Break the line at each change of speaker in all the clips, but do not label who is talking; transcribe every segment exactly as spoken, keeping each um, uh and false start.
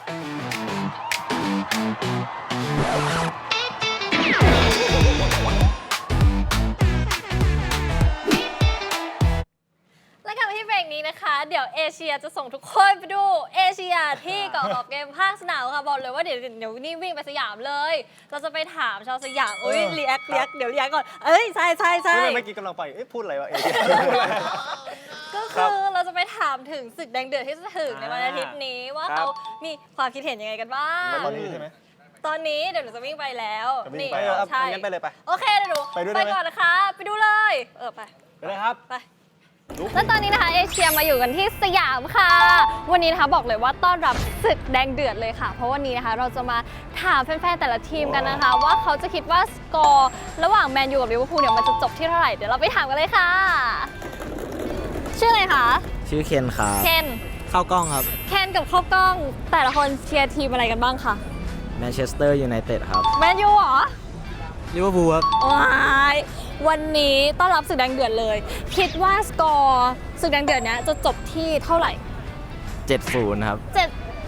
และกลับมาที่เบรกนี้นะคะเดี๋ยวเอเชียจะส่งทุกคนไปดูเอเชียที่เกาะขอบเกมภาคสนามค่ะบอกเลยว่าเดี๋ยวเดี๋ยวนี่วิ่งไปสยามเลยเราจะไปถามชาวสยามอุ้ยรีแอครีแอคเดี๋ยวรีแอคก่อนเอ้ยใช่ใช่ใช่
เมื่อกี้กำลังไปเอ๊ะพูดอะไรวะเอเชีย
ก็คือเราจะไปถามถึงศึกแดงเดือดที่จะถึงในวันอาทิตย์นี้ว่าเขามีความคิดเห็นยังไงกันบ้าง
ตอนนี้ใช่ไหม
ตอนนี้เดี๋ยวหนูจะวิ่งไปแล้ว
จะวิ่ง
นี่
ไปเหรอ
ใช่
งั้นไปเลยไป
โอเคเดี๋ยวหนู
ไปด้วยได้ไหม
ก่อนนะคะไปดูเลยเออไป
ไปเลยครับ
ไปและตอนนี้นะคะเอเชียมาอยู่กันที่สยามค่ะ วันนี้นะคะบอกเลยว่าต้อนรับศึกแดงเดือดเลยค่ะ เพราะวันนี้นะคะเราจะมาถามแฟนๆแต่ละทีมกันนะคะ ว่าเขาจะคิดว่าสกอร์ระหว่างแมนยูกับลิเวอร์พูลเนี่ยมันจะจบที่เท่าไหร่เดี๋ยวเราไปถามกันเลยค่ะ ชื่ออะไรคะ
ชื่อเคนครับ
เคน
เข้ากล้องครับ
เคนกับข้าวกล้องแต่ละคนเชียร์ทีมอะไรกันบ้างคะ
แมนเชสเตอร์ยูไนเต็ดครับ
แมนยูเหรอ
ลิเวอร์พูลครับ
ว้ายวันนี้ต้อนรับศึกแดงเดือดเลย คิดว่าสกอร์ศึกแดงเดือดเนี้ยจะจบที่เท่าไหร่
เจ็ดศูนย์ ครับ
เจ็ด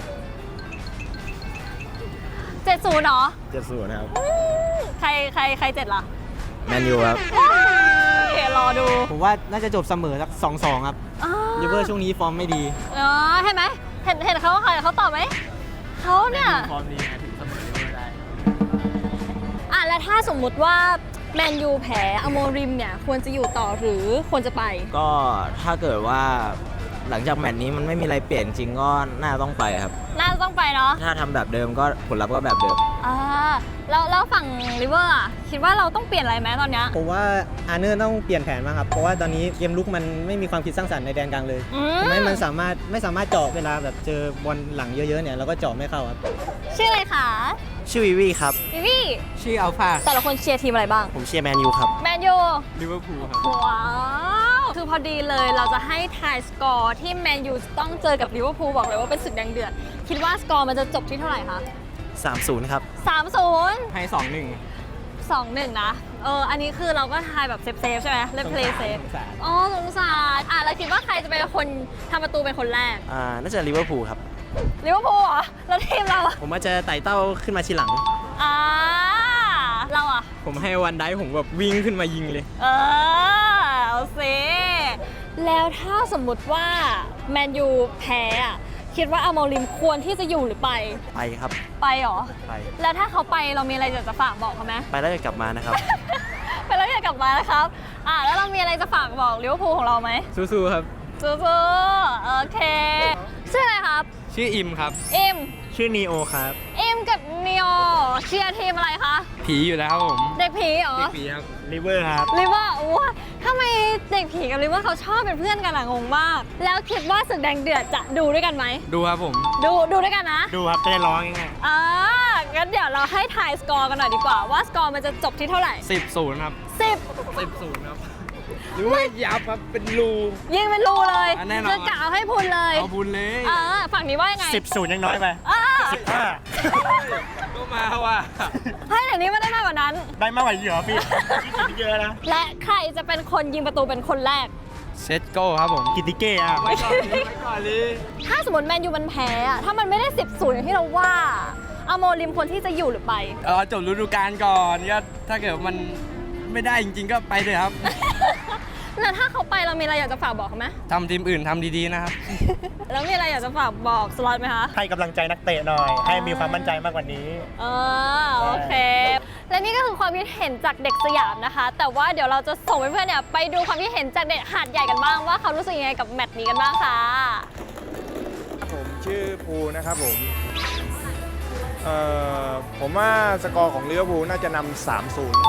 เจ็ดศูนย์เหรอ
เจ็ดศูนย์ ครับ
อืมใครใครใครเจ็ดล่ะ
แมนยูครับ
ว้ายรอดู
ผมว่าน่าจะจบเสมอสักสองสองครับ
อ๋อ
ลิเวอร์ช่วงนี้ฟอร์มไม่ดี
อ๋อเห็นไหมเห็นเห็นเขาว่าใครเขาตอบไหมเขาเนี่ย
ฟอร์มดีไงถึงเสมอลิเวอร์ได้
อ่ะแล้วถ้าสมมุติว่าแมนยูแพ้อโมริมเนี่ยควรจะอยู่ต่อหรือควรจะไป
ก็ถ้าเกิดว่าหลังจากแมตช์นี้มันไม่มีอะไรเปลี่ยนจริงก็น่าต้องไปครับ
น่าจะต้องไปเนาะ
ถ้าทำแบบเดิมก็ผลลัพธ์ก็แบบเดิม
อ่าแล้วแล้วฝั่งลิเวอร์อ่ะคิดว่าเราต้องเปลี่ยนอะไรไหมตอนเนี้ย
ผมว่าอาร์เนอร์ต้องเปลี่ยนแผนมากครับ เพราะว่าตอนนี้เกมลุกมันไม่มีความคิดสร้างสรรค์ในแดนกลางเลย
อืม
ทำให้มันสามารถไม่สามารถเจาะเวลาแบบเจอบอลหลังเยอะๆเนี่ยเราก็เจาะไม่เข้าครับ
ชื่ออะไรคะ
ชื่อวิวีครับ
วิวี่
ชื่ออัลฟา
แต่ละคนเชียร์ทีมอะไรบ้าง
ผมเชียร์แมนยูครับ
แมนยู
ลิเวอร์พูลครับ
ว้าวคือพอดีเลยเราจะให้ทายสกอร์ที่แมนยูต้องเจอกับลิเวอร์พูลบอกเลยว่าเป็นศึกแดงเดือดคิดว่าสกอร์มันจะจบที่เท่าไหร่คะ
สามศูนย์ ครับ
สามศูนย์
ให้สองหนึ่ง
สองหนึ่งนะเอออันนี้คือเราก็ทายแบบเซฟเซฟใช่ไหมเล่นเพลย์เซฟ
สงสาร
อ๋อสงสารอ่ะแล้วคิดว่าใครจะเป็นคนทำประตูเป็นคนแรก
อ่า น่าจะลิเวอร์พูลครับ
ลิเวอร์พูลเหรอแล้วทีมเราอะ
ผมว่าจะไต่เต้าขึ้นมาทีหลัง
อ่าเราอะ
ผมให้วันได้ผมแบบวิ่งขึ้นมายิงเลย
เออเอาสิแล้วถ้าสมมุติว่าแมนยูแพ้อะคิดว่าอาโมริมควรที่จะอยู่หรือไป
ไปครับ
ไปเหรอ
ไป
แล้วถ้าเขาไปเรามีอะไรอยากจะฝากบอกเขาไหม
ไปแล้วจะกลับมานะครับ
ไปแล้วอยากกลับมานะครับอ่าแล้วเรามีอะไรจะฝากบอกลิเวอร์พูลของเราไหม
สู้ๆครับ
สู้ๆโอเคชื่ออะไรครับ
ชื่ออิมครับ
อิม
ชื่อนีโอครับ
อิมกับนิโอเชียร์ทีมอะไรคะ
ผีอยู่แล้วครับผม
เด็กผีเหรอ
ผีครับลิเวอร์ครับ
ลิเวอร์ว้าทำไมเด็กผีกับลิเวอร์เขาชอบเป็นเพื่อนกันอะงงมาก แล้วคิดว่าศึกแดงเดือดจะดูด้วยกันไหม
ดูครับผม
ดูดูด้วยกันนะ
ดูครับจะได้ร้องง่าย
อ่างั้นเดี๋ยวเราให้ทายสกอร์กันหน่อยดีกว่าว่าสกอร์มันจะจบที่เท่าไหร่
สิบศูนย์ครับ
สิบ
สิบศูนย์ครับหรือว่ายับครับเป็นรู
ยิงเป็นรูเลย
อ่ะแน่นอน
จะกะเอาให้พุนเลย
เอาบุญเลย
อ่าฝั่งนี้ว่ายังไง
สิบศูนย์ยังน้อยไป
อ่า
สิบห้า
ก็มาว่ะ
ให้แต่นี้ไม่ได้มากกว่านั้น
ได้มากกว่าเหรอพี่คิดเยอะนะ
และใครจะเป็นคนยิงประตูเป็นคนแรก
เซตโก้ครับผม
กิติเก้อะ
ไว้ก่อนเลยไว้ก่อนเลย
ถ้าสมมติแมนยูมันแพ้อะถ้ามันไม่ได้สิบศูนย์อย่างที่เราว่าอาโมริมควรที่จะอยู่หรือไป
เออจบฤดูกาลก่อนก็ถ้าเกิดมันไม่ได้จริงๆก็ไปเลยครับ
แล้วถ้าเขาไปเรามีอะไรอยากจะฝากบอกเขาไหม
ทำทีมอื่นทำดีๆนะครับ
แล้วมีอะไรอยากจะฝากบอกสล็อตไหมคะ
ให้กำลังใจนักเตะหน่อย ให้มีความมั่นใจมากกว่านี้
เออโอเค และนี่ก็คือความคิดเห็นจากเด็กสยามนะคะ แต่ว่าเดี๋ยวเราจะส่งเพื่อนๆเนี่ยไปดูความคิดเห็นจากเด็กหาดใหญ่กันบ้างว่าเขารู้สึกยังไงกับแมตช์นี้กันบ้างค่ะ
ผมชื่อภูนะครับผมเอ่อผมว่าสกอร์ของลิเวอร์พูลน่าจะนำ สามศูนย์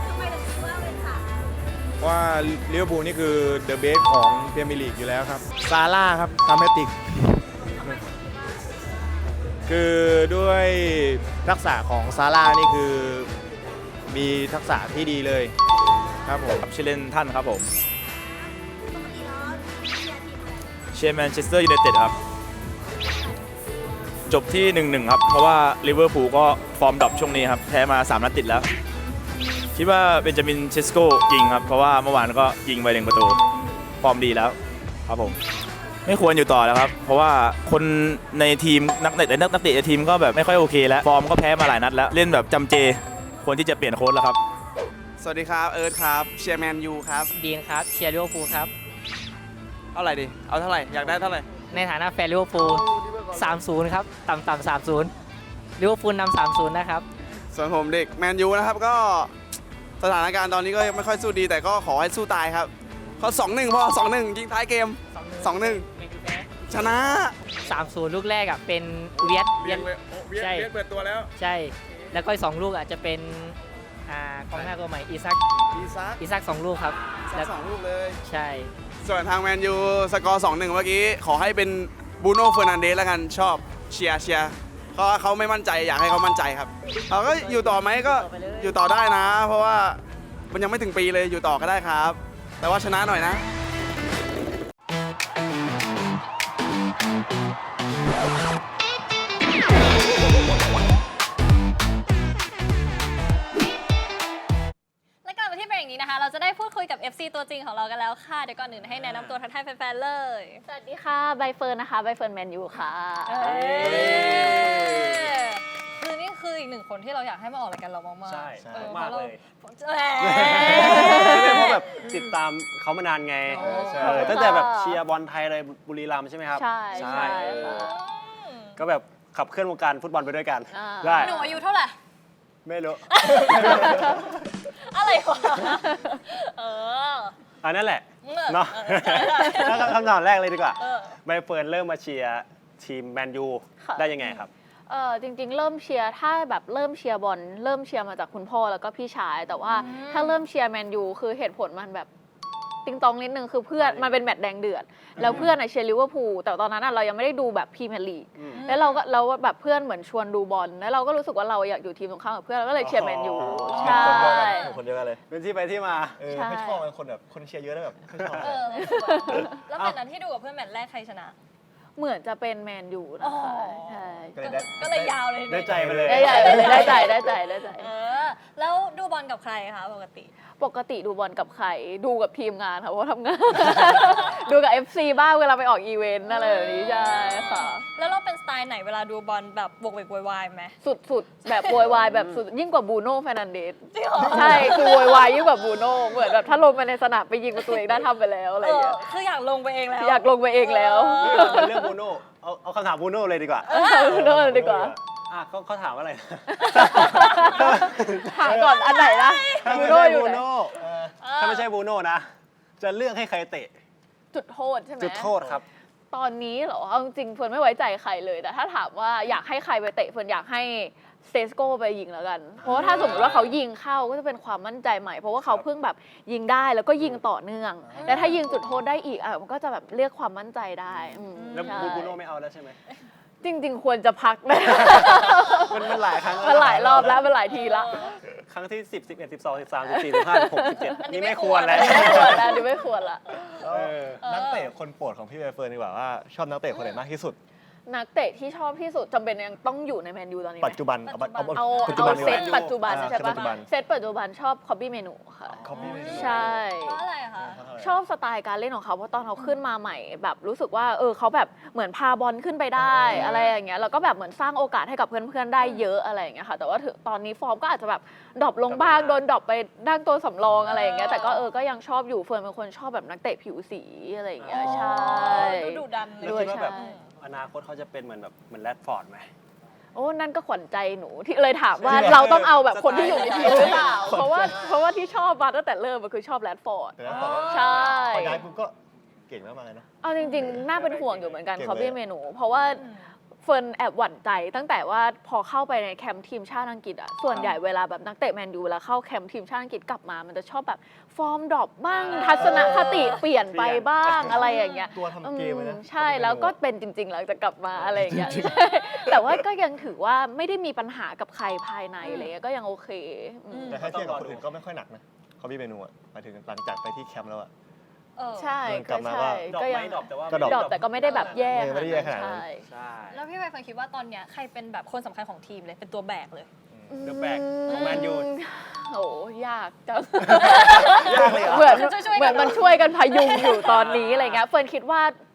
ว่าลิเวอร์พูลนี่คือเดอะเบสของพรีเมียร์ลีกอยู่แล้วครับ ซาร่าครับทำแฮตติก คือด้วยทักษะของซาร่านี่คือมีทักษะที่ดีเลยครับผมชื่อเล่นท่านครับผมเชียร์แมนเชสเตอร์ยูไนเต็ดครับ จบที่ หนึ่งหนึ่ง ครับ เพราะว่าลิเวอร์พูลก็ฟอร์มดรอปช่วงนี้ครับ แพ้มา สาม นัดติดแล้ว คิดว่าเบนจามินเชสโกยิงครับ เพราะว่าเมื่อวานก็ยิงไปหนึ่งประตู ฟอร์มดีแล้วครับผมไม่ควรอยู่ต่อแล้วครับ เพราะว่าคนในทีมนักเตะนักนักเตะในทีมก็แบบไม่ค่อยโอเคแล้ว ฟอร์มก็แพ้มาหลายนัดแล้ว เล่นแบบจำเจ ควรที่จะเปลี่ยนโค้ชแล้วครับ
สวัสดีครับ เอิร์ธครับ เชียร์แมนยูครับ
ดีนครับ เชียร์ลิเวอร์พูลครับ
เอาอะไรดิ เอาเท่าไหร่ อยากได้เท่าไหร่
ในฐานะแฟนลิเวอร์พูล สามศูนย์ ครับ ต่ำๆ สามศูนย์ ลิเวอร์พูลนำ สามศูนย์ นะครับ
ส่วนผมเด็กแมนยูนะครับ ก็สถานการณ์ตอนนี้ก็ยังไม่ค่อยสู้ดี แต่ก็ขอให้สู้ตายครับเขาสองหนึ่งพอสองหนึ่งยิงท้ายเกมสองหนึ่งชนะ
สามศูนย์ ลูกแรกอ่ะเป็นเวียดเวียด ใช่
เปิดตัวแล้ว
ใช่ แล้วก็อีกสองลูกอ่ะจะเป็นอ่ากองหน้าตัวใหม่อีซัก
อีซัก
อีซักสองลูกครับ
สั
แล้
ก
ว
สองลูกเลย
ใช่
ส่วนทางแมนยูสกอร์สองหนึ่งเมื่อกี้ ขอให้เป็นบูโน่เฟอร์นันเดสแล้วกันชอบเชียร์เชียร์เพราะว่าเขาไม่มั่นใจอยากให้เขามั่นใจครับเราก็อยู่ต่อไหมก็อยู่ต่อได้นะ เพราะว่ามันยังไม่ถึงปีเลยอยู่ต่อก็ได้ครับ แต่ว่าชนะหน่อยนะ
และกลับมาที่เบรกนี้นะคะ เราจะได้พูดคุยกับ เอฟ ซี ตัวจริงของเรากันแล้วค่ะ เดี๋ยวก่อนอื่นให้แนะนำตัวทักทายแฟนๆเลย
สวัสดีค่ะใบเฟิร์นนะคะใบเฟิร์นแมนยูค่ะ
คือนี่คืออีกหนึ่งคนที่เราอยากให้มาออกรายการเรามากๆ
ใช่
ออ
มากเลย
พราะเรา
เพราะแบบติดตามเขามานานไง
โอ้ใช่
เออตั้งแต่แบบเชียร์บอลไทยเลยบุรีรัมย์ใช่ไหมครับ
ใช่ใช่
เออ
ค่ะ
ก็แบบขับเคลื่อนวงการฟุตบอลไปด้วยกัน
อ่า
ได้
หนูอายุเท่าไหร่
ไม่รู้
อะไรวะเออ
อันนั่นแหละ
เออ
เนาะ
เออใช่ใช่
แล้วก็คำถามแรกเลยดีกว่า
เออ
ใบเฟิร์นเริ่มมาเชียร์ทีมแมนยู
ค่ะ
ได้ยังไงครับ
เออจริงๆ เริ่มเชียร์ถ้าแบบเริ่มเชียร์บอลเริ่มเชียร์มาจากคุณพ่อแล้วก็พี่ชาย แต่ว่าถ้าเริ่มเชียร์แมนยูคือเหตุผลมันแบบติงตองนิดนึงคือเพื่อนมันเป็นแมตช์แดงเดือด แล้วเพื่อนอะเชียร์ลิเวอร์พูลแต่ตอนนั้นอะเรายังไม่ได้ดูแบบพรีเมียร์ลีก
อืม
แล้วเราก็เราแบบเพื่อนเหมือนชวนดูบอลแล้วเราก็รู้สึกว่าเราอยากอยู่ทีมตรงข้ามกับเพื่อนเราก็เลยเชียร์แมนยูใช่
คนเดียวกันเลย
เป็นที่ไปที่มา
เออ
ใช่
ไม่ชอบเป็นคนแบบคนเชียร์เยอะแล้วแบบไม่ชอบ
เออรู้สึกว่าแล้วแมตช์นั้นที่ดูกับเพื่อนแมตช์แรกใครชนะ
เหมือนจะเป็นแมนยูนะคะใช่
ก็เลยได้
ก็เลยยาวเลย
ได้ใจไปเลย
ได้ใจเลยได้ใจได้ใจได้ใจ
เออ แล้วดูบอลกับใครคะปกติ
ปกติดูบอลกับใครดูกับทีมงานค่ะเพราะว่าทำงาน ดูกับ เอฟ ซี บ้างเวลาไปออกอีเวนต์อะไรแบบนี้ใช่ค่ะ
แล้วเราเป็นสไตล์ไหนเวลาดูบอลแบบบวกเวกโวยวายไหม
สุดๆ แบบโวยวายแบบสุดยิ่งกว่าบูโน่เฟรนันเดส
จริงเหรอ
ใช่คือโวยวายยิ่งกว่าบูโน่เหมือนแบบถ้าลงไปในสนามไปยิงประตูเองได้ทำไปแล้วอะไร
เอ
อย่าง
อ
เงี้ย
คืออยากลงไปเองแล้ว
อยากลงไปเองแล้ว
เรื่องบูโน่เอาเอาคำถามบูโน่เลยดีกว่า
บูโน่เลยดีกว่า
อ่ะเขาเขาถามว่าอะไรนะ
หาก่อนอันไหนนะ
ถ้า
บู
ไม่
โน่
ใช่
อยู่
บู
ไหน
โน่ถ้าไม่ใช่บูโน่นะ จะเลือกให้ใครเตะ
จุดโทษใช่ไหม
จุดโทษครับ
ตอนนี้เหรอเอาจริงๆเฟิร์นไม่ไว้ใจใครเลย แต่ถ้าถามว่าอยากให้ใครไปเตะเฟิร์นอยากให้เซสโก้ไปยิงแล้วกัน เพราะว่าถ้าสมมติว่าเขายิงเข้าก็จะเป็นความมั่นใจใหม่ เพราะว่าเขาเพิ่งแบบยิงได้แล้วก็ยิงต่อเนื่อง และถ้ายิงจุดโทษได้อีกอ่ะมันก็จะแบบเรียกความมั่นใจได้อืม
แล้ว
ใช่
บูโน่ไม่เอาแล้วใช่ไหม
จริง ๆ ควรจะพักนะ
มันมันหลายครั้ง
มันหลายรอบแล้วมันหลายทีละ
ครั้งที่สิบ สิบเอ็ด สิบสอง สิบสาม สิบสี่ สิบห้า สิบหก สิบเจ็ด
อันนี้
นี่
ไม่
ไม่
ค
คว ว
ร
รแล้ว
ไม่ควรแล้วดิไม่ควรละ
เออนักเตะคนโปรดของพี่ใบเฟิร์นดีกว่าว่าชอบนักเตะคนไหนมากที่สุด
นักเตะที่ชอบที่สุดจำเป็นยังต้องอยู่ในแมนยูตอนนี้ไหม
ปัจจุบันเอาเอา
เอา
ปัจจุ
เอา
บันดีก
เซ
ว่า
ตปัจจุบัน
อ่า
ใช่ปะ
ปัจจุบัน
เซตปัจจุบันชอบคอบบี้เมนูค่ะ
Copy Menu
ใช่
เพราะอะไรคะ
ชอบสไตล์การเล่นของเขาเพราะตอนเขาขึ้นมาใหม่แบบรู้สึกว่าเออเขาแบบเหมือนพาบอลขึ้นไปได้อะไรอย่างเงี้ยแล้วก็แบบเหมือนสร้างโอกาสให้กับเพื่อนๆได้เยอะอะไรอย่างเงี้ยค่ะแต่ว่าถึงตอนนี้ฟอร์มก็อาจจะแบบดรอปลงบ้างโดนดรอปไปดั้งตัวสำรองอะไรอย่างเงี้ยแต่ก็เออก็ยังชอบอยู่เฟิร์นเป็นคนชอบแบบนักเตะผิวสีอะไรอย่างเงี้ยใช่
ดูดุดันเล
แล้ว
ด้วย
คิดว่าแบบ
ใช่
อนาคตเขาจะเป็นเหมือนแบบเหมือนแรดฟอร์ดไหม
โอ้นั่นก็ขวัญใจหนูที่เลยถามว่าเราต้องเอาแบบคนที่อยู่ในทีมหรือเปล่าเพราะว่าเพราะว่าที่ชอบมาตั้งแต่เริ่มมันคือชอบแรดฟอร์ด
แต่แล้วพอ
ใช่
พอย้ายปุ๊บก็เก่งมากๆเลยเนาะ
เอาจริงๆ น่าเป็นห่วงอยู่เหมือนกัน
เก่งเลย
คอบี้เมนู เพราะว่าเฟิร์นแอบหวั่นใจตั้งแต่ว่าพอเข้าไปในแคมป์ทีมชาติอังกฤษอะส่วนใหญ่เวลาแบบนักเตะแมนยูเวลาเข้าแคมป์ทีมชาติอังกฤษกลับมา มันจะชอบแบบฟอร์มดรอปบ้างทัศนคติเปลี่ยนไปบ้างอะไรอย่างเงี้ย
ตัวทำเกมเลยนะ
อืมใช่แล้วก็เป็นจริงๆหลังจากกลับมาอะไรอย่างเงี้ยใช่แต่ว่าก็ยังถือว่าไม่ได้มีปัญหากับใครภายในอะไรเงี้ยก็ยังโอเคอืม
แต่ถ้าเทียบกับคนอื่นก็ไม่ค่อยหนักนะเขาพี่เมนูอ่ะหมายถึงหลังจากไปที่แคมป์แล้วอ่ะ
เออ
ใช่
กลั
ก็
บมา
ใช่
ก็
ดรอป
ก็
ไหม
ยัง
ดรอปแต่ว่า
ก็ดรอป
ดรอปแต่ก็ไม่ได้แบบแย่
เออไม่ได้แย่ขนาดนั้น
ใช่
ใช่
แล้วพี่ใบเฟิร์นคิดว่าตอนเนี้ยใครเป็นแบบคนสำคัญของทีมเลยเป็นตัวแบกเลย
เดอะแบกของแมนยู
โอ้ยากจัง
ยากเลยเหรอ
เหมือน
ช่วยๆกัน
เหมือนมันช่วยกันพยุงอยู่ตอนนี้อะไรเงี้ยเฟิร์นคิดว่า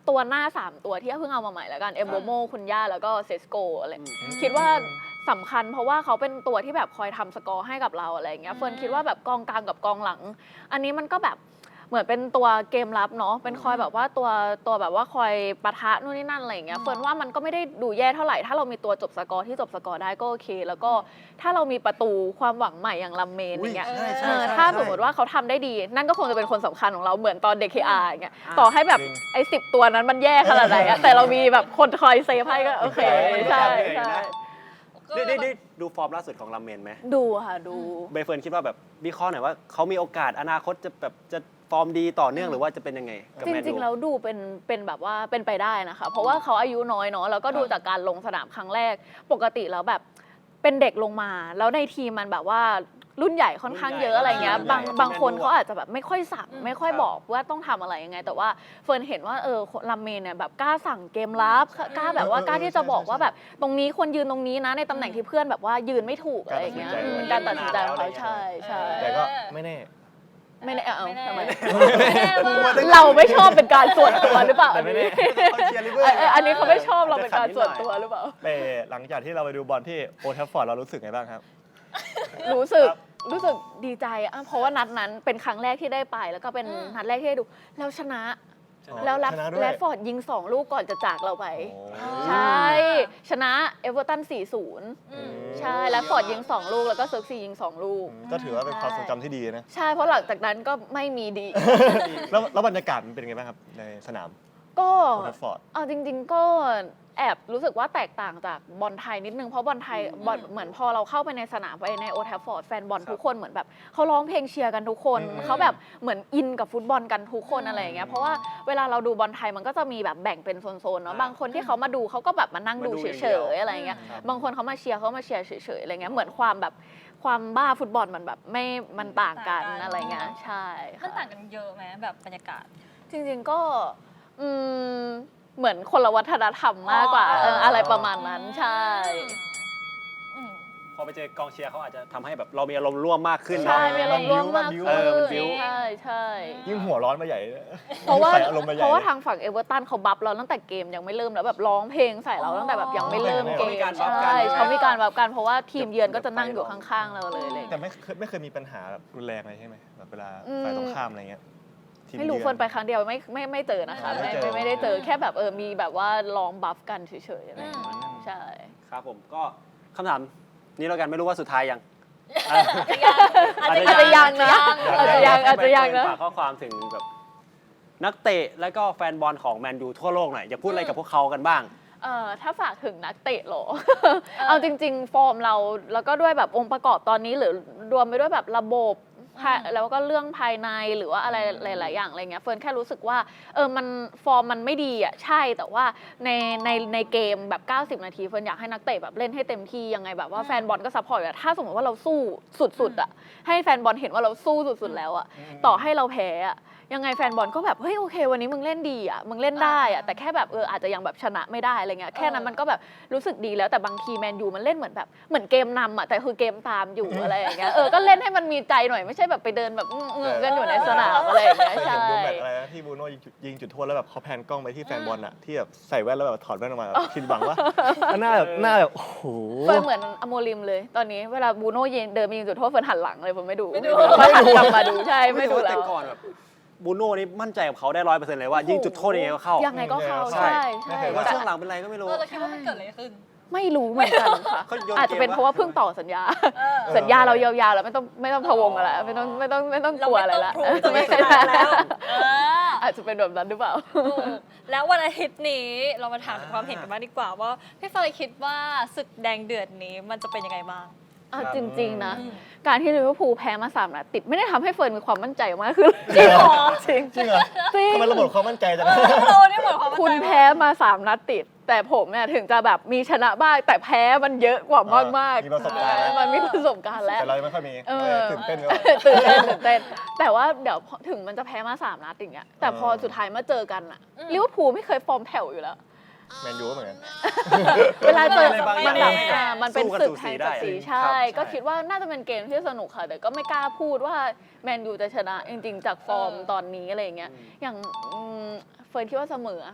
ตัวหน้า สาม ตัวที่เพิ่งเอามาใหม่แล้วกันเอมโบโมคุณย่าแล้วก็เซสโกอะไรคิดว่าสำคัญเพราะว่าเขาเป็นตัวที่แบบคอยทำสกอร์ให้กับเราอะไรอย่างเงี้ยเฟิร์นคิดว่าแบบกองกลางกับกองหลัง อันนี้มันก็แบบเหมือนเป็นตัวเกมรับเนาะเป็นคอยแบบว่าตัวตัวแบบว่าคอยปะทะนู่นนี่นั่นอะไรอย่างเงี้ยเฟิร์นว่ามันก็ไม่ได้ดูแย่เท่าไหร่ถ้าเรามีตัวจบสกอร์ที่จบสกอร์ได้ก็โอเค แล้วก็ถ้าเรามีประตูความหวังใหม่อย่างลัมเมนอย่างเงี้ย
ใช่ใช่
เออ
ใช่
ถ้า
ใช่
สมมติว่าเขาทำได้ดี นั่นก็คงจะเป็นคนสำคัญของเราเหมือนตอนเด็ก เค อาร์ อย่างเงี้ยต่อให้แบบ
จริง
ไอ้สิบตัวนั้นมันแย่ขนาดไหนอะแต่เรามีแบบคนคอยเซฟให้ก็โอเคใช่ใช่
ได้ได้ได้ดูฟอร์มล่าสุดของลัมเมนไหม
ดูค่ะดู
ใบเฟิร์นคิดว่าแบบวิเคราะห์หน่อยว่าเขามีโอกาสอนาคตจะแบบจะฟอร์มดีต่อเนื่องหรือว่าจะเป็นยังไงกับ
จ
แมน
ริ
ยู
งๆแล้วดูเป็นเป็นแบบว่าเป็นไปได้นะคะ เพราะว่าเขาอายุน้อยเนาะแล้วก็ดูจากการลงสนามครั้งแรก ปกติแล้วแบบเป็นเด็กลงมา แล้วในทีมมันแบบว่ารุ่นใหญ่ค่อนข้างเยอะอะไรเงี้ยบางบางคนเขาอาจจะแบบไม่ค่อยสั่งไม่ค่อยบอกว่าต้องทำอะไรยังไง แต่ว่าเฟิร์นเห็นว่าเออลัมเมนเนี่ยแบบกล้าสั่งเกมรับกล้าแบบว่ากล้าที่จะบอกว่าแบบตรงนี้ควรยืนตรงนี้นะในตำแหน่งที่เพื่อนแบบว่ายืนไม่ถูกอะไรอย่างเงี้ยการตัดสินใจของเขาใช่ใช่
แต่ก็ไม่แน่
ไม่ได้เอาทำไม
ไม่แน่ว่า
เราไม่ชอบเป็นการส่วนตัวหรือเปล่า
แต่
อัน
ไม่แน่
นี้
เขาเชียร์ลิเวอร์
เอออันนี้เขาไม่ชอบเราเป็นการส่วนตัวหรือเปล่า
แต่หลังจากที่เราไปดูบอลที่โอลด์แทัฟฟอร์ดเรารู้สึกไงบ้างครับ
รู้สึกรู้สึกดีใจอ่ะเพราะว่านัดนั้นเป็นครั้งแรกที่ได้ไป แล้วก็เป็นนัดแรกที่ได้ดูแล้วชนะ แล้วแรด
ชนะด้วย
แรดฟอร์ดยิงสองลูกก่อนจะจากเราไป
โอ้
ใช่ ชนะเอเวอร์ตัน สี่ศูนย์ ใช่แรดฟอร์ดยิงสองลูกแล้วก็เซิร์กซียิงสองลูก
ก็ถือว่าเป็นความทรงจำที่ดีนะ
ใช่เพราะหลังจากนั้นก็ไม่มีดี
แล้วแล้วบรรยากาศมันเป็นไงบ้างครับในสนาม
ก็
โอลด์แทัฟฟอร์ด
เอาจริง ๆ ก็แอบรู้สึกว่าแตกต่างจากบอลไทยนิดนึงเพราะบอลไทยบอลเหมือนพอเราเข้าไปในสนามไปในโอลด์แทัฟฟอร์ดแฟนบอลทุกคนเหมือนแบบเขาร้องเพลงเชียร์กันทุกคน
อืม
เขาแบบเหมือนอินกับฟุตบอลกันทุกคนอะไรอย่างเงี้ยเพราะว่าเวลาเราดูบอลไทยมันก็จะมีแบบแบ่งเป็นโซนๆเนาะบางคนที่เขามาดูเขาก็แบบมานั่งดูเฉยๆอะไรอย่างเงี้ยบางคนเขามาเชียร์เขามาเชียร์เฉยๆอะไรเงี้ยเหมือนความแบบความบ้าฟุตบอลมันแบบไม่มันต่างกันอะไรเงี้ยใช่
มัน
ค่ะ
ต่างกันเยอะไหมแบบบรรยากาศ
จริงๆก็อืมเหมือนคนละวัฒนธรรมมากกว่า
อ๋อ
เอออะไรประมาณนั้นใช่
อืม
พอไปเจอกองเชียร์เขาอาจจะทำให้แบบเรามีอารมณ์ร่วมมากขึ้น
ใช่
เนาะ
มีอารมณ์ร่วมมาก
บิ้ว
ขึ้
เออมันบิ้ว
นใช่ใช่
ยิ่งหัวร้อนมาใหญ่
เพราะว่า
ใส่อารมณ์มาใหญ่
เพราะว่าทางฝั่งเอเวอร์ตันเขาบัฟเราตั้งแต่เกมยังไม่เริ่มแล้วแบบร้องเพลงใส่เราตั้งแต่แบบยังไม่เริ่มเก
เขา
ม
มีการบัฟกัน
ใช่เขามีการบัฟกันเพราะว่าทีมเยือนก็จะนั่งอยู่ข้างๆเราเลยอะไรอย่าง
แต่
เลย
ไม่เคยไม่เคยมีปัญหาแบบรุนแรงอะไรใช่ไหมแบบเวลา
อืม
ฝ่ายตรงข้ามอะไรเงี้ยที
ไม่รู้
ยือ
เฟิร์นไปครั้งเดียวไม่ไม่ไม่เจอนะคะ
ไม่
ไม่
เจอ
ไม่ไม่ได้เจอแค่แบบเออมีแบบว่าร้องบัฟกันเฉยๆอะไรอย่างเงี้ยใช่
ครับผมก็คำถามนี้แล้วกันไม่รู้ว่าสุดท้ายยัง
อาจจะ
อาจจะยังนะอาจจะยังอาจจะยังนะ
ฝากข้อความถึงแบบนักเตะแล้วก็แฟนบอลของแมนยูทั่วโลกหน่อยอยากพูดอะไรกับพวกเขากันบ้าง
เอ่อถ้าฝากถึงนักเตะเหรอ เอาจริง ๆ ฟอร์มเราแล้วก็ด้วยแบบองค์ประกอบตอนนี้หรือรวมไปด้วยแบบระบบภายแล้วก็เรื่องภายในหรือว่าอะไรหลาย ๆ อย่างอะไรเงี้ยเฟิร์นแค่รู้สึกว่าเออมันฟอร์มมันไม่ดีอ่ะใช่แต่ว่าในในในเกมแบบเก้าสิบนาทีเฟิร์นอยากให้นักเตะแบบเล่นให้เต็มที่ยังไงแบบว่าแฟนบอลก็ซัพพอร์ตอะถ้าสมมติว่าเราสู้สุด ๆ อ่ะ ให้แฟนบอลเห็นว่าเราสู้สุด ๆ แล้วอ่ะต่อให้เราแพ้อะยังไงแฟนบอลก็แบบเฮ้ยโอเควันนี้มึงเล่นดีอ่ะมึงเล่นได้อ่ะแต่แค่แบบเอออาจจะยังแบบชนะไม่ได้อะไรเงี้ยแค่นั้นมันก็แบบรู้สึกดีแล้วแต่บางทีแมนยูมันเล่นเหมือนแบบเหมือนเกมนำอ่ะแต่คือเกมตามอยู่อะไรอย่างเงี้ยเออก็เล่นให้มันมีใจหน่อยไม่ใช่แบบไปเดินแบบอื้อๆกันอยู่ในสนามอะไรอย่างเงี้ย
เคย
ใช่
เห็นดูแมตช์อะไรนะที่บูโน่ยิงจุดยิงจุดโทษแล้วแบบเขาแพนกล้องไปที่แฟนบอลอะที่แบบใส่แว่นแล้วแบบถอดแว่นออกมาแบบคิดหวังว่าหน้าแบบหน้าแบบโอ้โห
เฟิร์นเหมือนอโมริมเลยตอนนี้เวลาบูโน่ยิงเดินไปยิงจุดโทษเฟิร์นหันหลังเลยผมไม่ดู
ไม่ดู
ไม่หันกลับมาดูใช่ไม่ดู
รู้
แล้
แต่
ว
ก่อนแบบบูโน่นี่มั่นใจกับเขาได้ร้อยเปอร์เซ็นต์เลยว่ายิงจุดโทษยังไงก็เข้า
ยังไงก็เข้า
ใช่
ใช่ใช่
ไม่เคย
ว่า
แต่
ช่วงหลังเป็นไรก็ไม่รู้
เออเราคิดว่ามันเกิดอะไรขึ้น
ไม่รู้เหมือนกันค่ะ
เขาโยนเกม
อาจจะเป็นเพราะว่าเพิ่งต่อสัญญา สัญญาเรายาวๆแล้วไม่ต้องไม่ต้องพะวงอะไรไม่ต้องไม่ต้องไม่ต้องกลัวอะไรละ
เราไม่ต้อง prove ตัวเองขนาดนั้นแล้วเออ
อาจจะเป็นแบบนั้นหรือเปล่า
ถูกแล้ววันอาทิตย์นี้เรามาถามถึงความเห็นกันบ้างดีกว่าว่าพี่เฟยคิดว่าศึกแดงเดือดนี้มันจะเป็นยังไงบ้าง
อ่ะ
ครับ
จริง ๆ นะ
อืม
การที่ลิเวอร์พูลแพ้มาสามนัดติดไม่ได้ทำให้เฟิร์นมีความมั่นใจมากขึ้นจริงเหรอจริง
จริงเหรอ
จริง
ทำไมระบบความมั่นใจจัง
เราเนี่ยหมดความมั่นใจ
คุณแพ้มาสามนัดติด แต่ผมเนี่ยถึงจะแบบมีชนะบ้างแต่แพ้มันเยอะกว่ามากมากๆ
มีประสบการณ์แล้ว
มันมีประสบการณ์แล้ว
แต่เรายังไม่ค่อยมี
เออ
เออตื่นเต้นก่อน
ตื่นเต้นตื่นเต้นแต่ว่าเดี๋ยวพอถึงมันจะแพ้มาสามนัดอย่างเงี้ยแต่พอ
เออ
สุดท้ายมาเจอกันอะลิเวอร์พูลไม่เคยฟอร์มแผ่วอยู่แล้ว
แมนยูก็เหมือนกัน
เวลาเจอ
อะไรบางอ
มั
ย่าน ง
แบบ
ให้
อ่ามันเป็น
สู้กัน
ศึก
สูสี
แห่ง
ได้
ศักดิ์ศรี
ครับ
ใช่
ใช่
ก็คิดว่าน่าจะเป็นเกมที่สนุกค่ะแต่ก็ไม่กล้าพูดว่าแมนยูจะชนะจริงๆจากฟอร์มตอนนี้อะไรอย่างเงี้ยอย่างอืมเฟิร์นคิดว่าเสมอ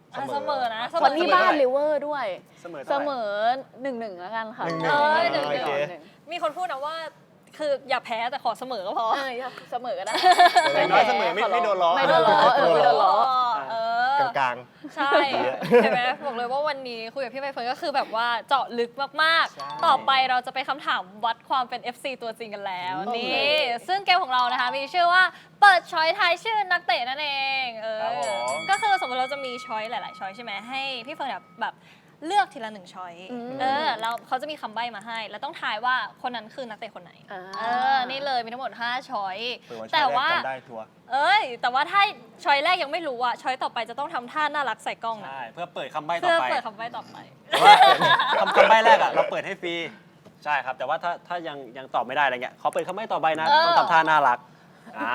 อ่ะเสมอนะ
คนที่บ้านลิเวอร์ด้วย
เสมอ
เส
เท่าไห
ม
ร่
อหนึ่งหนึ่งแล้วกันค่ะ
หนึ่งห
เออหนึ่ง
โอ
หนึ่ง
เค
หนึ่ง
มีคนพูดนะว่าคืออย่าแพ้แต่ขอเสมอก็พอ
เออเสมอก็ได้
อย่างน้อยเสมอไม่ไม่โดนล้อ
ไม่โดนล้อเออไม่โดนล้อ
เออ
กลาง
ใช่เห็นไหมบอกเลยว่าวันนี้คุยกับพี่ใบเฟิร์นก็คือแบบว่าเจาะลึกมากๆ ต่อไปเราจะไปคำถามวัดความเป็น เอฟ ซี ตัวจริงกันแล้วนี่ซึ่งเกมของเรานะคะมีชื่อว่าเปิดช้อยทายชื่อนักเตะนั่นเองเออ
ครับผม
ก็คือสมมติเราจะมีช้อยหลายๆช้อยใช่ไหมให้พี่เฟิร์นแบบแบบเลือกทีละหนึ่งช้อย
อืม
เออแล้วเขาจะมีคำใบ้มาให้ แล้วต้องทายว่าคนนั้นคือนักเตะคนไหน
อ่า
เออนี่เลยมีทั้งหมดห้าช้อย
ๆเปิดวัน
แต่
แต่ว่า
ว่า
จำได้ทัวร์
เอ้ย แต่ว่าถ้าช้อยแรกยังไม่รู้อะช้อยต่อไปจะต้องทำท่าน่ารักใส่กล้องนะ
ใช่เพื่อเปิดคำใบ้ต่
เพื่
อ
อ
ไป
เปิดคำใบ้ต่อไป
คำคำใบ้แรกอ่ะเราเปิดให้ฟรีใช่ครับ แต่ว่าถ้าถ้ายังยังตอบไม่ได้อะไรเงี้ยขอเปิดคำใบ้ต่อไปนะ
เออ
ต้องทำท่าน่ารักอ่า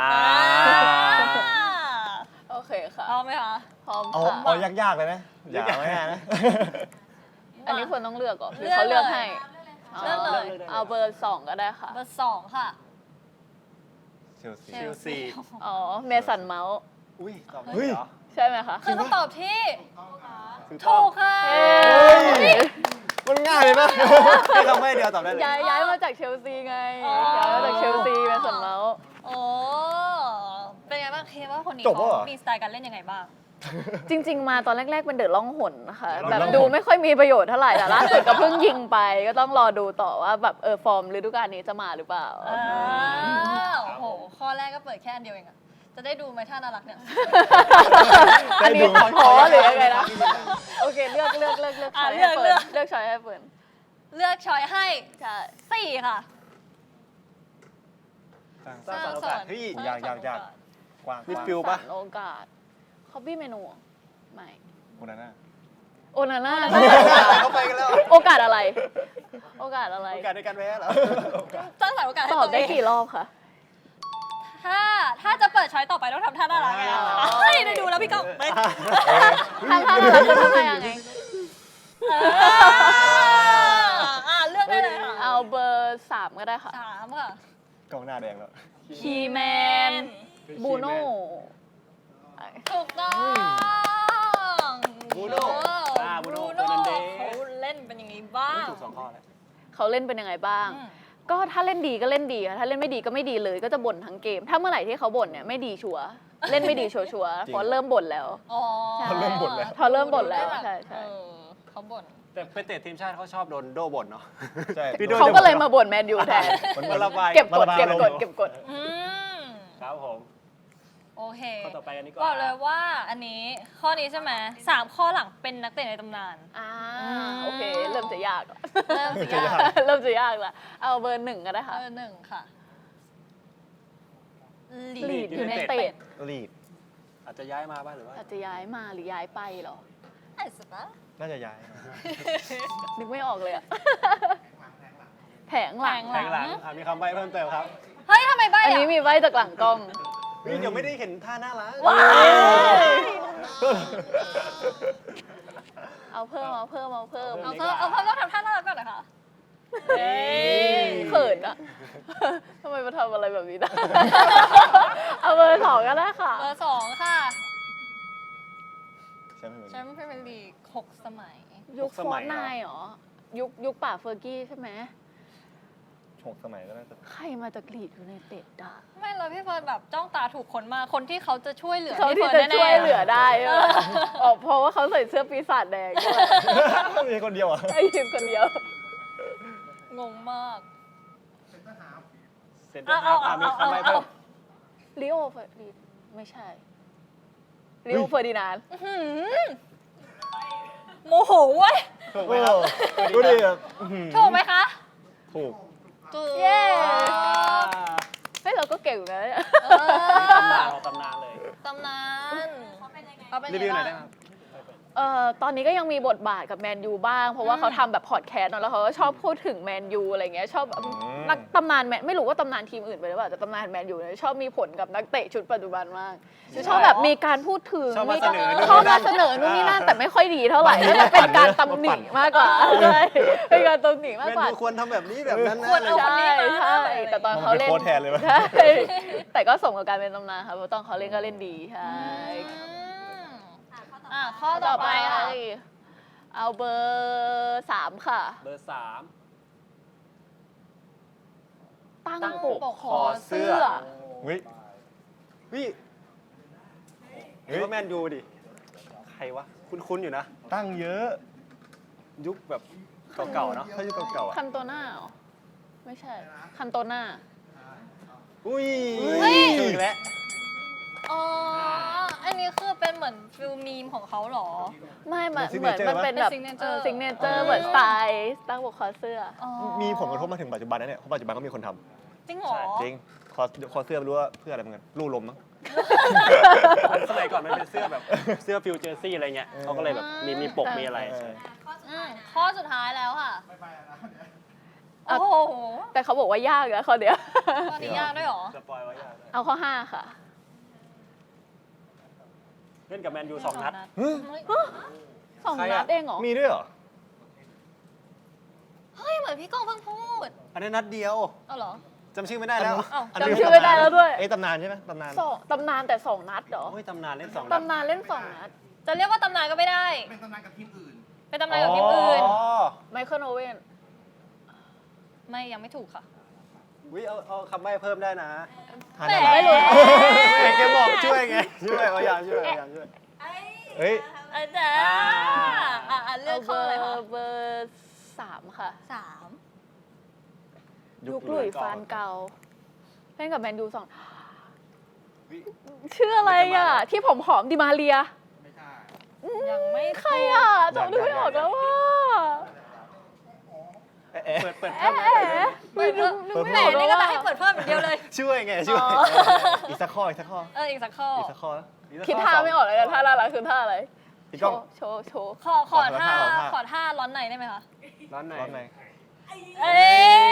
โอเคค่ะ
พร้อมไหมคะ
พร้อม
เอา
ค่ะ
เอายากๆเลยนะอย่าไม่ง่ายนะ
อันนี้ควรต้องเลือกก่อนหรือ
เลือก
เขาเลือก
เลย
ให้
เลือกเลย
เอาเบอร์สองก็ได้ค่ะ
เบอร์สองค่ะ
เชลซี
เชลซี
อ๋อ เมสันเมาส์
อุ้ยตอบได้
เฮ้ย
เหรอ
ใช่ไหมคะ
คือคำตอบที่
ถูกต้
ถู
อง
กค่ะ
เอ้
เฮ้
ย
ย มันง่ายเลยนะ
แค่คำใบ้เดียวตอบได้เลย
ย้ายย้ายมาจากเชลซีไง
อ๋อ
ย้ายมาจากเชลซีเมสันเมาส์
โอ้เป็นไงบ้างเคว่าคนนี้
จบแล้วเหรอ
เขามีสไตล์การเล่นยังไงบ้าง
จริง ๆ มาตอนแรก ๆ เป็นเดอะล่องหนนะคะ
เดอะ
แบบ
ล่องหน
ดูไม่ค่อยมีประโยชน์เท่าไหร่แต่ล่าสุดก็เพิ่งยิงไป ก็ต้องรอดูต่อว่าแบบเออฟอร์มฤดูกาลนี้จะมาหรือเปล่า
อ้าวโอ้โห ข้อแรกก็เปิดแค่อันเดียวเองอะจะได้ดูไหมท่าน่ารักเนี่ย
อันนี้ตัดพ้อหรือยังไงนะ โอเคเลือกเลือกเลือกเลือก
อ่ะ
ช้อย
เลื
ให้
อก
เฟิร์น
เลือก
เลือกช้อยให้เฟิร์น
เลือกช้อยให้
ใช่
สี่ค่ะ
สร้างสรรค์โอกาสเฮ้ย
ยากยากยาก กว้าง
มิดฟิลด์ ปะ
สรรโอกาสคอบี้เมนูไม่
คนนั้นน่ะ
โอนาน่า
เขาไปกันแล้ว
โอกาสอะไร โอกาสอะไร
โอกาสในการแพ้เหรอ
สร้างสรรค์โอกาสให้
ต
ตั
อบ
ว
ได้
เอง
กี่รอบคะ
ถ้าถ้าจะเปิดช้อยต่อไปต้องทำท่าน่ารักไง
อ๋อ
เฮ้ยได้ดูแล้วพี่ก้องไม่
ทำท่าอะไรคือทำท่ายังไง
อ่าเลือกได้เลยค่ะ
เอาเบอร์สามก็ได้ค่ะ
สามค่ะ
กองหน้าแดงแล้ว
คีแมน บูโน่
ถูกต้อง
บูโน่อ่าบูโน่
บูโน่
เฟอร์นันเดส
เขาเล่นเป็นยังไงบ้าง
ถูกสองข้อแล้ว
เขาเล่นเป็นยังไงบ้าง
อืม
ก็ถ้าเล่นดีก็เล่นดีค่ะถ้าเล่นไม่ดีก็ไม่ดีเลย ก็จะบ่นทั้งเกม ถ้าเมื่อไหร่ที่เขาบ่นเนี่ยไม่ดีชัวร์เล่นไม่ดีชัวร์ๆเพราะเริ่มบ่นแล้ว
อ๋อ
ใช่
เขาเริ่มบ่นแล้ว
เขาเริ่มบ่นแล้ว
ได้บบ
ใช่ใช่
เออเขาบ่น
แต่เป็นเตะทีมชาติเขาชอบโดนโดบ่นเนาะ
ใช่
พี่โด
เขาก็เลยมาบ่นแมนยูแทน
มัน
มาระบาย
เก็บกด
มาระบาย
เก็บกด
อารมณ์
เก็บกด
อืม
ครับผม
โอเค
ข้อต่อไปกันดีก
บอ
ว่า
กเลยว่าอันนี้ข้อนี้ใช่ไหมสามข้อหลังเป็นนักเตะในตำนาน
อ่า
อืม
โอเค เริ่มจะยาก
เริ่มสิ
จะยาก
เริ่มจะยากละเอาเบอร์หนึ่งก็ได้ค่ะ
เออหนึ่งค่ะ
ลีดยูไนเต็ด
ลีด
อาจจะย้ายมาบ้างหรือว่า
อาจจะย้ายมาหรือย้ายไปเหรอ
ไอ้สัสนะ
น่าจะย้าย
นึกไม่ออกเลยอะแผงหลัง
แทงหลังอ่ะมีคำใบ้เพิ่มเติมครับ
เฮ้ยทำไมใบ้
อัน
อะ
นี้มีไว้จากหลังกล้อง
เฮ้ยเดี๋ยวไม่ได้เห็นท่าน่ารัก
ว้าย
เอาเพิ่มเอาเพิ่มเอาเพิ่ม
เอาเพิ่มเอาเพิ่มต้องทำท่าน่ารักก่อนนะคะเฮ้ย
เขินอะทำไมมาทำอะไรแบบนี้ได้ เอาเบอร์สองก็ได้ค่ะ
เบอร์สองค่ะ
ใช่ไหม
แชมป์พรีเมียร์ลีกหกสมัย
ยุคฟอร์นายเหรอ ยุคยุคป่าเฟอร์กี้ใช่ไหม
หกสมัยก็น่าจะ
ใครมาจากลีดยูไนเต็ดอะ
ไม่เลยพี่เฟิร์นแบบจ้องตาถูกคนมากคนที่เขาจะช่วยเหลือ
เขา
พี่
ที่
เฟิร์น
จะ
แน่ๆ
ช่วยเหลือได้ใช่ไหมอ๋อเพราะว่าเขาใส่เสื้อปีศาจแดงด้วย
มีคนเดียวอ่ะ
ไอ้ทีมคนเดียว
งงมาก
เซ็นเตอร์ฮาล์ฟอ่ะมีคำใบ้เพิ่ม
ลิโอเฟอร์ดินไม่ใช่ลิโอเฟอร์ดินานด์
อื้อหือโมโหเว้ย
ถูกไหมครับ
ดูดิแบบอื้อหือ
ถูกไหมคะ
ถูก
ถูก
เย้เฮ้ยเราก็เก่งอยู่นะเนี่ย
เอ
ตำนาน
อ
ของตำนานเลย
ตำนานเขาเป็นยังไงเขาเป็น
รี
ยัง
วิวห
ไง
น่อยได้
บ้าง
ไหมครับ
เอ่อตอนนี้ก็ยังมีบทบาทกับแมนยูบ้าง เพราะว่าเขาทำแบบพอดแคสต์เนอะแล้วเขาก็ชอบพูดถึงแมนยูอะไรเงี้ยชอบนักตำนานแมนไม่รู้ว่าตำนานทีมอื่นไปหรือเปล่าแต่ตำนานแมนยูเนี่ยชอบมีผลกับนักเตะชุดปัจจุบันมากชอบแบบมีการพูดถึง
ชอบมา
มี
เสนอนู่น
ชอบ
นี่นั่
มาน เสนอนู่นนี่นั่นแต่ไม่ค่อยดีเท่าไหร่แล้วมันเป็นการตำหนิมากกว่าใช่เป็นการตำหนิมาก
แมน
กว่า
ยูควรทำแบบนี้แบบนั้นนะ
ควรเอาคน
ใช่
นี้มา
ใช่แต่ตอนเขาเล่น
โค้ชแทนเลยปะ
ใช่แต่ก็สมกับการเป็นตำนานค่ะเพราะตอนเขาเล่นก็เล่นดีใช่
อืม
เ
อ่ะข้อต่อไปค่ะ
เอาเบอร์สามค่ะ
เบอร์สาม
ตั้ง
ตั้ง
ปก
ปก
คอเสื้อ
เฮ้ย
วิเฮ้ยว่าแมนยูดิ ใครวะ คุ้นๆอยู่นะ
ตั้งเยอะ
ยุคแบบเก่าๆเนาะ
ถ้ายุคเก่าๆอ่ะ
คันโตน่าเหรอ ไม่ใช่ คันโตน่า
อุ้ย
เฮ้ย
ถูกแล้ว
อ๋อ อันนี้คือเป็นเหมือนฟิลมีมของเขาเหรอ
ไม่มัน
เป็น
เหมือน
signature
มันเป็นแบบ
เป็น signature
ซิงเนเจอร์เหมือนสไตล์ตั้งปกคอเสื้อ
อ๋อ
มีผลกระทบมาถึงปัจจุบันนะเนี่ยเพราะปัจจุบันก็มีคนท
จริงเหรอ
ำจริง คอคอเสื้อไม่รู้ว่าเพื่ออะไรเหมือนกันลู่ลมมั้ง
สมัยก่อนมันเป็นเสื้อแบบ เสื้อฟิวเจอร์ซี่อะไรเงี้ยเขาก็เลยแบบมีมีปกมีอะไร
เออ
อืมข้อสุดท้ายแล้วค่ะ
อ่ะ
โอ้โห
แต่เขาบอกว่ายากนะข้อเดียว
ข้อนี้ยากด้วยเหรอ
สปอยไว้ยากด้วย
เอาข้อห้าค่ะ
เล่นกับแมนยูสองนัด
สอง
ใคร
นั
อะ
ดเองเหรอ
มีด้วยเหรอ
เฮ้ย เหมือนพี่ก้องเพิ่งพูด
อันนี้นัดเดียว
เอาเหรอ
จำชื่อไม่ได้แล้ว
เอ้า
นนี้
จำชื่อไม่ได้แล้วด้วย
เอ้ยตำนานใช่ไหมตำนาน
สองตำนานแต่สองนัดเหรอ
โอ้ยตำนานเล่นสองนัด
ตำนานเล่นสองนัด
จะเรียกว่าตำนานก็ไม่ได้ เป็นตำนานกับทีมอื่น เป็นตำนานกับทีมอื่น
อ๋อ
ไมเคิลโอเวน
ไม่ยังไม่ถูกค่ะ
วิเอาเอาคำใบ้เพิ่มได้นะ
ทาน
แหม
อะไร
ไม่รู้
แกบอกช่วยไง ช่วยพยายามช่วยพยายามช่วย
เฮ้ย
อาจารย์อ่ะอ่ะเลือกข้ออะไรคะ
เบอร์สามค่ะ
สาม
ยุคหลุยส์ฟานเกาเล่นกับแมนยูสองชื่ออะไรอ่ะ ที่ผมผอมๆดิมาเรีย
ยังไม่
ใครอ่ะจำนึกไม่ออกแล้วว่า
เปิดเปิด
เอ๊
เพิ่มไหม
ะไม่นึกนึก
แหม
ไม่ออก
นี่
แล้ว
ก็จะ
ว่า
ให้เปิดเพิ่มอย่างเดียวเลย
ช่วยไงช่วย
อ๋อ
อีกสักข้ออีกสักข้อ
เอออีกสักข้อ
อีกสักข้อนะ
คิดท่าไม่ออกเลยนะท่าน่ารักคือท่าอะไร
พี่
โช
ก้อง
ว์โชว์โชว์
ขอขอ
ขอ
ท่า
ท่าขอท่า
ขอท่าร้อนในได้ไหมคะ
ร้านไหน
ร้อนไหน
เอ้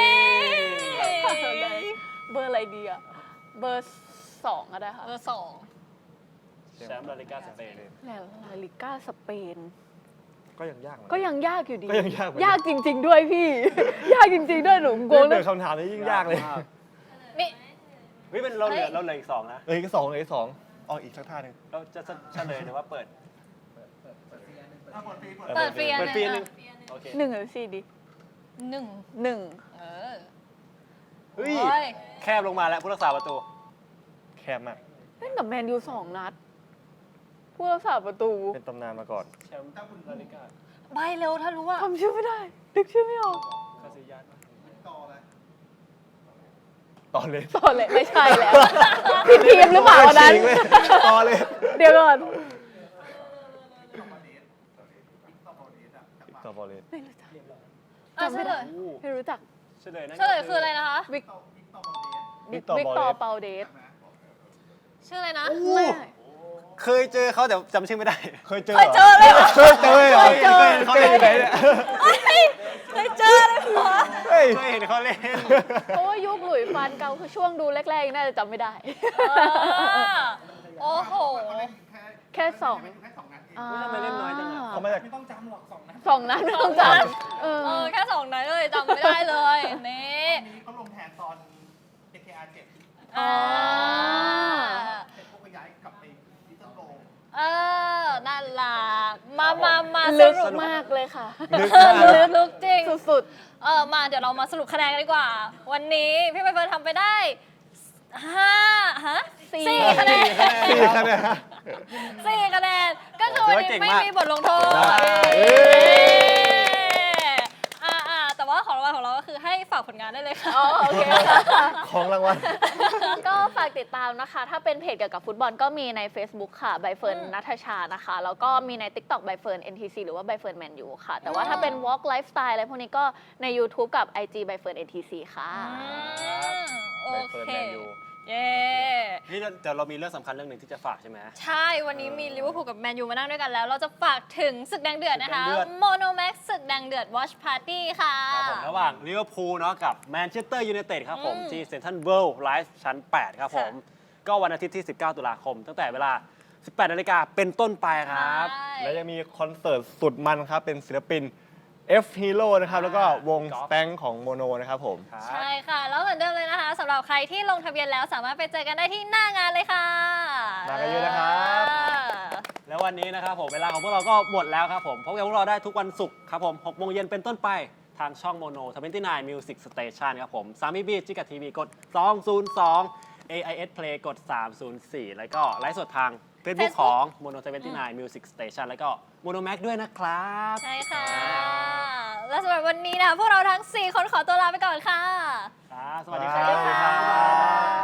ย
เบอร์อะไรดีอ่ะ เบอร์สองก็ได้ค่ะ
เบอร์สอง
แชมป์ลาลิก้าสเปน
แล้วลาลิก้าสเปน
ก็ยังยากเหมือน
ก็
น
ยังยากอยู่ดี
ก็ยังยากเหมือนกัน
ยากจริง ๆ ด้วยพี่ ยากจริง ๆ ด้วยหนูงงเล
เรื่
ย
องคำถามนี้ยิ่งยากเลย
นี่
เฮ้ยเป็นเราเหลือเราเหลืออีกสองนะ
เอ้ยอีกสองเลยอีกสองอ๋ออีกสักท่าหนึ่ง
เราจะเฉลยหรือว่าเปิด
เปิดเฟียน
เปิดเฟียนหนึ่ง โอเค
หนึ่งหรือสี่ดี
หนึ่ง
หนึ่ง
เออ
เฮ้ย
โอ้ย
แคบลงมาแล้วผู้รักษาประตู
แคบมาก
เล่นกับแมนยูสองนัด ผู้รักษาประตู
เป็นตำนานมาก่อน
แชมป์ลาลิก้า
ใบเร็วถ้ารู้ว่า
ทำชื่อไม่ได้ นึกชื่อไม่ออก
คาซิยัส
ต่อเลย
ต่อเลยไม่ใช่แล้วผิดทีมหรือเปล่าวันนั้น
จริงเว้ยต่อเลย
เดี๋ยวก่อน
ต่อบอลเลย
ไม่รู้จัก
อ่ะเฉลย
ไม่รู้จัก
เฉลยนะ
เฉลยคืออะไรนะคะ
วิก
วิ
วิ
กตอร์
กตอร์เปาเดส
ชื่ออะไรนะ
ไม่
เคยเจอเขาแต่จำชื่อไม่ได้
เคยเจอ
เคยเจอเลยเหรอ
เคยเจอเหรอ
เคยเจอ
เขาเล่นอยู่ไหนเนี่ย
เคยเจอเลยเหรอ
เฮ้ย
เคยเห็นเขาเล่น
เพราะว่ายุคหลุยส์ฟานเกาคือช่วงดูแรกๆน่าจะจำไม่ได้
อ่าโอ้โห
แค่สอง
ทำไมเล่นน้อยจังอะ
เขามาจาก
สองนัดไม่ต้องจำเออ
เออ แค่สองนั้นเลยจำไม่ได้เลยนี่
เขาลงแทนตอน เอ เค อาร์ เจ็ด
อ่า
เสร็จพวกไปย้ายกลับไปลิตเติ้ลโล
เออนั่นล่ะมามามา
ลึก
สรุป
มากเลยค่ะ
ลึก
เอ
มาก
อลึกลึกจริง
สุด
เออมาเดี๋ยวเรามาสรุปคะแนนกันดีกว่า วันนี้พี่ใบเฟิร์นทำไปได้ห้าฮะ
ๆสี่
สี่คะแนน
สี่คะแนน
สี่คะแนนก็คือวันนี้ไม่มีบทลงโทษ
ได้
เย้อ่าอ่าแต่ว่าของรางวัลของเราก็คือให้ฝากผลงานได้เลยค่ะ
อ๋อโอเค
ของรางวัล
ก็ฝากติดตามนะคะ ถ้าเป็นเพจเกี่ยวกับฟุตบอลก็มีใน Facebook ค่ะใบเฟิร์น
อืม
นัทชานะคะ แล้วก็มีใน TikTok ใบเฟิร์น เอ็น ที ซี หรือว่าใบเฟิร์นแมนยูค่ะ แต่ว่าถ้าเป็น Walk Lifestyle อะไรพวกนี้ก็ใน YouTube กับ ไอ จี ใบเฟิร์น เอ็น ที ซี ค่ะ
อืมโอ
ใบเฟิร์น
เค
แมนยู
เย้
นี่เดี๋ยวเรามีเรื่องสำคัญเรื่องหนึ่งที่จะฝากใช่ไหม
ใช่วันนี้มีลิเวอร์พูลกับแมนยูมานั่งด้วยกันแล้ว เราจะฝากถึงศึกแดงเดือดนะคะ
ศึกแดงเดือด
โมโนแม็กศึกแดงเดือด Watch Party ค่ะ
ครับผมระหว่างลิเวอร์พูลเนาะกับแมนเชสเตอร์ยูไนเต็ดครับผม
อืม
ที่เซ็นทรัลเวิลด์ไลฟ์ชั้น แปด ครับผม ก็วันอาทิตย์ที่ สิบเก้า ตุลาคม ตั้งแต่เวลา สิบแปด นาฬิกาเป็นต้นไปครับ
ใช่
และยังมีคอนเสิร์ตสุดมันครับ เป็นศิลปิน F Hero นะครับ แล้วก็วง
กอล์
ส
ฟ
แตงของโมโนนะครับผม
ครับ
ใช่ค่ะ แล้วเหมือนเดิมเลยนะคะสำหรับใครที่ลงทะเบียนแล้วสามารถไปเจอกันได้ที่หน้างานเลยค่ะ
มากันเยอะนะครับ
เออ
แล้ววันนี้นะครับผมเวลาของพวกเราก็หมดแล้วครับผมพบกับพวกเราได้ทุกวันศุกร์ครับผมหกโมงเย็นเป็นต้นไปทางช่องโมโนทเวนตี้ไนน์ Music Station ครับผมสามีบีจิกะทีวีกดสองศูนย์สอง เอ ไอ เอส Play กดสามศูนย์สี่แล้วก็ไลฟ์สดทาง Facebook
Facebook
ของ Mono ทเวนตี้ไนน์ Music Station แล้วก็ Mono Max ด้วยนะครับ
ใช่ค่ะ และสำหรับวันนี้นะคะพวกเราทั้ง สี่ คนขอตัวลาไปก่อนค่ะ
ครับสวัสดีครับ